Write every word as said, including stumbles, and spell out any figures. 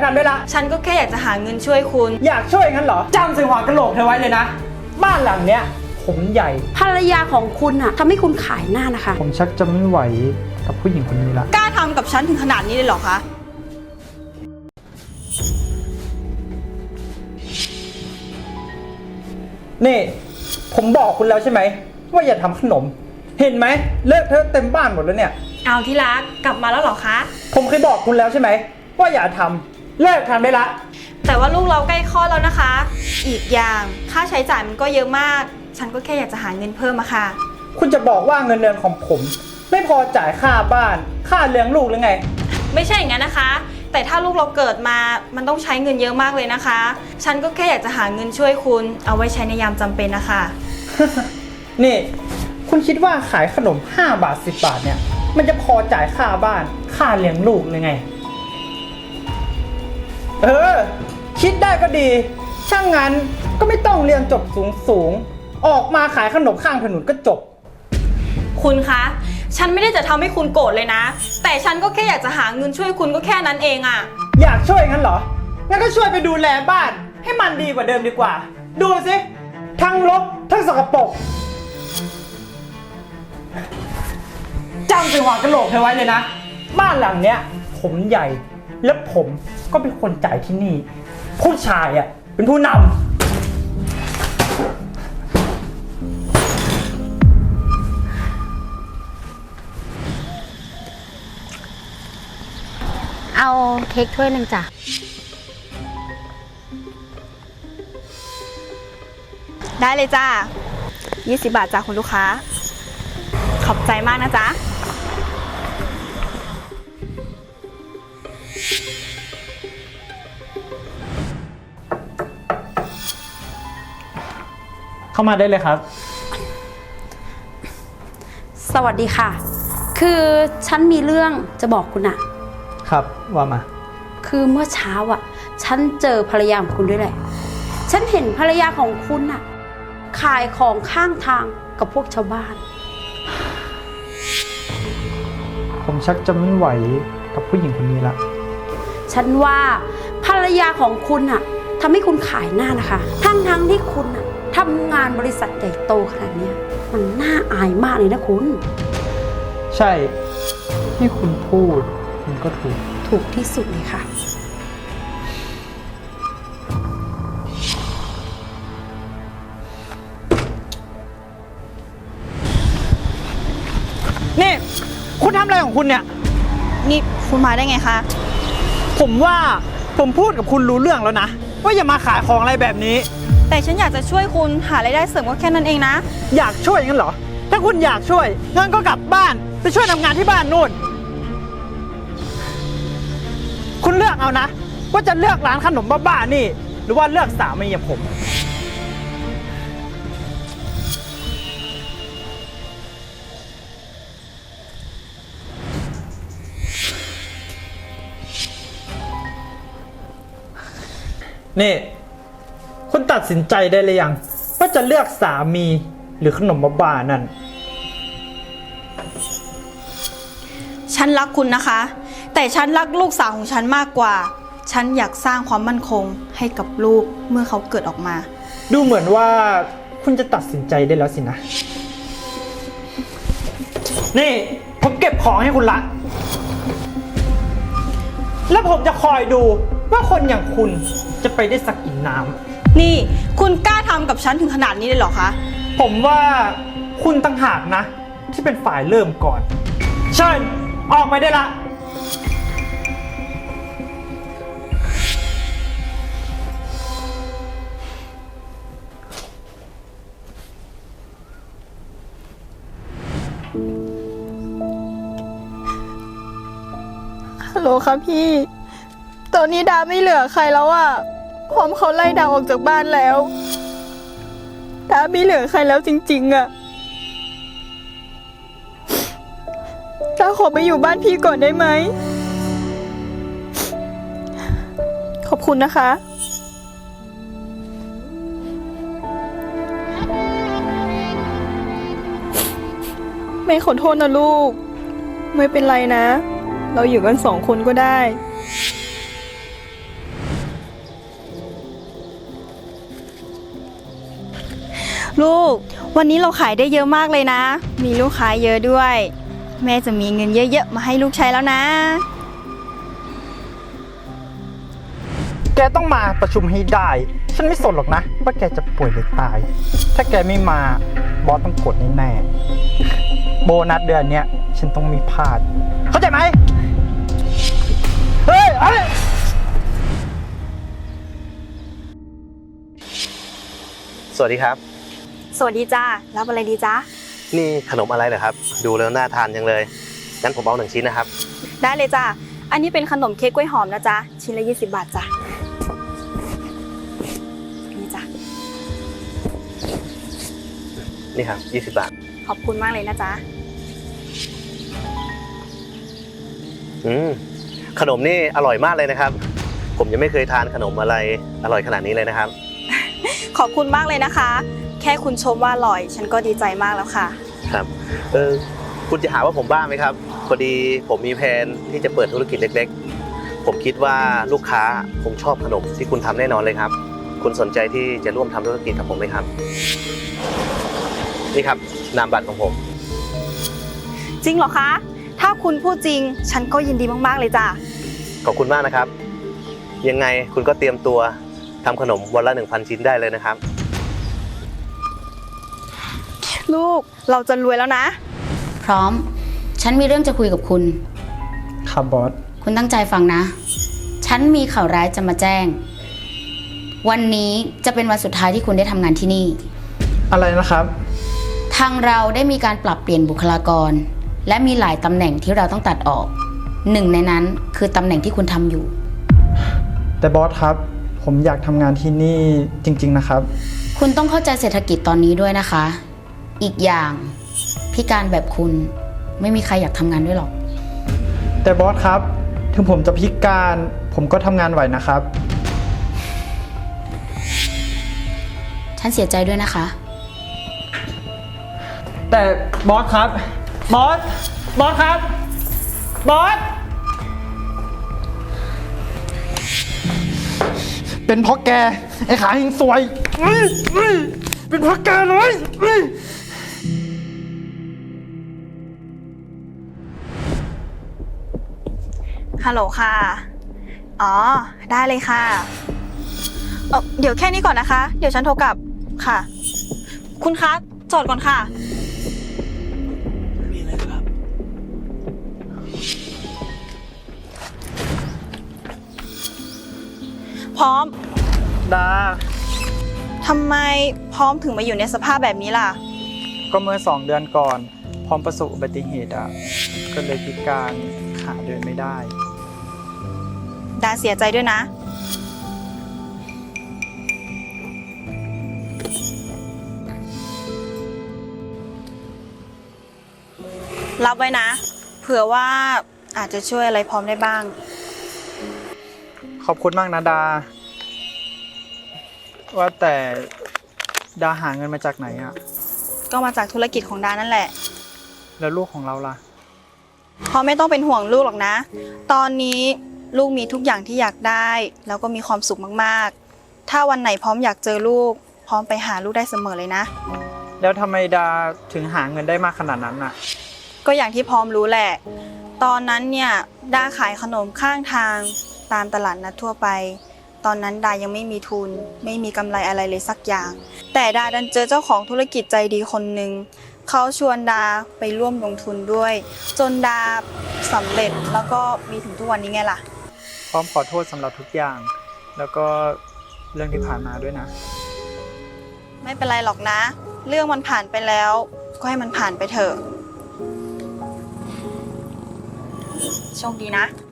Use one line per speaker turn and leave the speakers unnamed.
กันได้ละ
ฉันก็แค่อยากจะหาเงินช่วยคุณ
อยากช่วยงั้นเหรอจำใส่หัวกะโหลกเธอไว้เลยนะบ้านหลังเนี้ยผมใหญ่
ภรรยาของคุณอะทำให้คุณขายหน้านะคะ
ผมชักจะไม่ไหวกับผู้หญิงคนนี้ละ
กล้าทำกับฉันถึงขนาดนี้เลยเหรอคะ
นี่ผมบอกคุณแล้วใช่ไหมว่าอย่าทำขนมเห็นไหมเลอะเทอะเต็มบ้านหมดแล้วเนี่ย
เอาที่รักกลับมาแล้วเหรอคะ
ผมเคยบอกคุณแล้วใช่ไหมว่าอย่าทำเลิกทำได้ละ
แต่ว่าลูกเราใกล้คลอดแล้วนะคะอีกอย่างค่าใช้จ่ายมันก็เยอะมากฉันก็แค่อยากจะหาเงินเพิ่มอะค่ะ
คุณจะบอกว่าเงินเดือนของผมไม่พอจ่ายค่าบ้านค่าเลี้ยงลูกหรือไง
ไม่ใช่อย่างนั้นนะคะแต่ถ้าลูกเราเกิดมามันต้องใช้เงินเยอะมากเลยนะคะฉันก็แค่อยากจะหาเงินช่วยคุณเอาไว้ใช้ในยามจำเป็นนะคะ
นี่คุณคิดว่าขายขนมห้าบาทสิบบาทเนี่ยมันจะพอจ่ายค่าบ้านค่าเลี้ยงลูกหรือไงเออคิดได้ก็ดีช่างงั้นก็ไม่ต้องเรียนจบสูงสูงออกมาขายขนมข้างถนนก็จบ
คุณคะฉันไม่ได้จะทำให้คุณโกรธเลยนะแต่ฉันก็แค่อยากจะหาเงินช่วยคุณก็แค่นั้นเองอะ
อยากช่วยงั้นเหรองั้นก็ช่วยไปดูแลบ้านให้มันดีกว่าเดิมดีกว่าดูสิทั้งรกทั้งสกปรกจำใส่หัวกะโหลกเธอไว้เลยนะบ้านหลังเนี้ยผมใหญ่และผมก็เป็นคนจ่ายที่นี่ผู้ชายอ่ะเป็นผู้นำ
เอาเค้กถ้วยหนึ่งจ้ะ
ได้เลยจ้ายี่สิบบาทจ้าคุณลูกค้าขอบใจมากนะจ๊ะ
เข้ามาได้เลยครับ
สวัสดีค่ะคือฉันมีเรื่องจะบอกคุณอะ
ครับว่ามา
คือเมื่อเช้าอะฉันเจอภรรยาของคุณด้วยแหละฉันเห็นภรรยาของคุณอะขายของข้างทางกับพวกชาวบ้าน
ผมชักจะไม่ไหวกับผู้หญิงคนนี้ละ
ฉันว่าภรรยาของคุณอะทำให้คุณขายหน้านะคะทั้งทั้งที่คุณอะทำงานบริษัทใหญ่โตขนาดนี้มันน่าอายมากเลยนะคุณ
ใช่ที่คุณพูดมันก็ถูก
ถูกที่สุดเลยค่ะ
นี่คุณทำอะไรของคุณเนี่ย
นี่คุณมาได้ไงคะ
ผมว่าผมพูดกับคุณรู้เรื่องแล้วนะว่าอย่ามาขายของอะไรแบบนี้
แต่ฉันอยากจะช่วยคุณหารายได้เสริมก็แค่นั้นเองนะ
อยากช่วยงั้นเหรอถ้าคุณอยากช่วยงั้นก็กลับบ้านไปช่วยทำงานที่บ้านนู่นคุณเลือกเอานะว่าจะเลือกร้านขนมบ้าๆนี่หรือว่าเลือกสามีอย่างผมนี่คุณตัดสินใจได้หรือยังว่าจะเลือกสามีหรือขนมบ้าๆนั่น
ฉันรักคุณนะคะแต่ฉันรักลูกสาวของฉันมากกว่าฉันอยากสร้างความมั่นคงให้กับลูกเมื่อเขาเกิดออกมา
ดูเหมือนว่าคุณจะตัดสินใจได้แล้วสินะนี่ผมเก็บของให้คุณละแล้วผมจะคอยดูว่าคนอย่างคุณจะไปได้สักกี่น้
ำนี่คุณกล้าทำกับฉันถึงขนาดนี้เลยเหรอคะ
ผมว่าคุณต่างหากนะที่เป็นฝ่ายเริ่มก่อนเชิญออกไปได้ละ
ฮัลโหลค่ะพี่ตอนนี้ดาไม่เหลือใครแล้วอ่ะพร้อมเขาไล่ดาออกจากบ้านแล้วดาไม่เหลือใครแล้วจริงๆอ่ะดาขอไปอยู่บ้านพี่ก่อนได้ไหมขอบคุณนะคะไม่ขอโทษนะลูกไม่เป็นไรนะเราอยู่กันสองคนก็ได้ลูก วันนี้เราขายได้เยอะมากเลยนะ มีลูกค้าเยอะด้วย แม่จะมีเงินเยอะๆมาให้ลูกใช้แล้วนะ
แกต้องมาประชุมให้ได้ ฉันไม่สนหรอกนะ ว่าแกจะป่วยหรือตาย ถ้าแกไม่มาบอสต้องกดแน่ๆโบนัสเดือนเนี้ยฉันต้องมีพลาด เข้าใจไหมเฮ้ยเฮ้ย
สวัสดีครับ
สวัสดีจ้ารับอะไรดีจ้า
นี่ขนมอะไรเหรอครับ ดูแล้วน่าทานจังเลย งั้นผมเอาหนึ่งชิ้นนะครับ
ได้เลยจ้าอันนี้เป็นขนมเค้กกล้วยหอมนะจ๊ะชิ้นละยี่สิบบาทจ้ะนี่จ้ะ
นี่ครับยี่สิบบาท
ขอบคุณมากเลยนะจ๊ะ
อืม ขนมนี่อร่อยมากเลยนะครับ ผมยังไม่เคยทานขนมอะไรอร่อยขนาดนี้เลยนะครับ
ขอบคุณมากเลยนะคะ แค่คุณชมว่าอร่อย ฉันก็ดีใจมากแล้วค่ะ
ครับ เออ คุณจะหาว่าผมบ้าไหมครับ พอดีผมมีแผนที่จะเปิดธุรกิจเล็กๆ ผมคิดว่าลูกค้าคงชอบขนมที่คุณทำแน่นอนเลยครับ คุณสนใจที่จะร่วมทำธุรกิจกับผมไหมครับ นี่ครับนามบัตรของผม
จริงเหรอคะ ถ้าคุณพูดจริง ฉันก็ยินดีมากๆเลยจ้ะ
ขอบคุณมากนะครับ ยังไงคุณก็เตรียมตัวทำขนมวันละ หนึ่งพัน ชิ้นได้เลยนะครับ
ลูกเราจะรวยแล้วนะ
พร้อม ฉันมีเรื่องจะคุยกับคุณ
ครับบอส
คุณตั้งใจฟังนะ ฉันมีข่าวร้ายจะมาแจ้ง วันนี้จะเป็นวันสุดท้ายที่คุณได้ทำงานที่นี่
อะไรนะครับ
ทางเราได้มีการปรับเปลี่ยนบุคลากร และมีหลายตำแหน่งที่เราต้องตัดออก หนึ่งในนั้นคือตำแหน่งที่คุณทำอยู่
แต่บอสครับ ผมอยากทำงานที่นี่จริงๆนะครับ
คุณต้องเข้าใจเศรษฐกิจตอนนี้ด้วยนะคะ อีกอย่างพิการแบบคุณไม่มีใครอยากทำงานด้วยหรอก
แต่บอสครับ ถึงผมจะพิการ ผมก็ทำงานไหวนะครับ
ฉันเสียใจด้วยนะคะ
แต่บอสครับ บอส บอสครับ บอส เป็นเพราะแก ไอ้ขาหิงสวยอื้ออื้อเป็นเพราะแกเลยอื้อ
ฮัลโหลค่ะ อ๋อ ได้เลยค่ะเอ่อเดี๋ยวแค่นี้ก่อนนะคะ เดี๋ยวฉันโทรกลับ ค่ะ คุณคะ จอดก่อนค่ะ
มีอะไรครับ
พร้อม
ดา
ทำไมพร้อมถึงมาอยู่ในสภาพแบบนี้ล่ะ
ก็เมื่อสองเดือนก่อน พร้อมประสบอุบัติเหตุอ่ะ ก็เลยพิการขาเดินไม่ได้
ดาเสียใจด้วยนะ รับไว้นะ เผื่อว่าอาจจะช่วยอะไรพร้อมได้บ้าง
ขอบคุณมากนะดา ว่าแต่ดาหาเงินมาจากไหนอ่ะ
ก็มาจากธุรกิจของดานั่นแหละ
แล้วลูกของเราล่ะ
พร้อมไม่ต้องเป็นห่วงลูกหรอกนะ ตอนนี้ลูกมีทุกอย่างที่อยากได้ แล้วก็มีความสุขมากๆ ถ้าวันไหนพร้อมอยากเจอลูก พร้อมไปหาลูกได้เสมอเลยนะ
แล้วทำไมดาถึงหาเงินได้มากขนาดนั้นอ่ะ
ก็อย่างที่พร้อมรู้แหละ ตอนนั้นเนี่ยดาขายขนมข้างทางตามตลาดนัดทั่วไป ตอนนั้นดายังไม่มีทุน ไม่มีกำไรอะไรเลยสักอย่าง แต่ดาดันเจอเจ้าของธุรกิจใจดีคนหนึ่งเขาชวนดาไปร่วมลงทุนด้วย จนดาสำเร็จแล้วก็มีถึงทุกวันนี้ไงล่ะ
พร้อมขอโทษสำหรับทุกอย่าง แล้วก็เรื่องที่ผ่านมาด้วยนะ
ไม่เป็นไรหรอกนะ เรื่องมันผ่านไปแล้ว ก็ให้มันผ่านไปเถอะ โชคดีนะ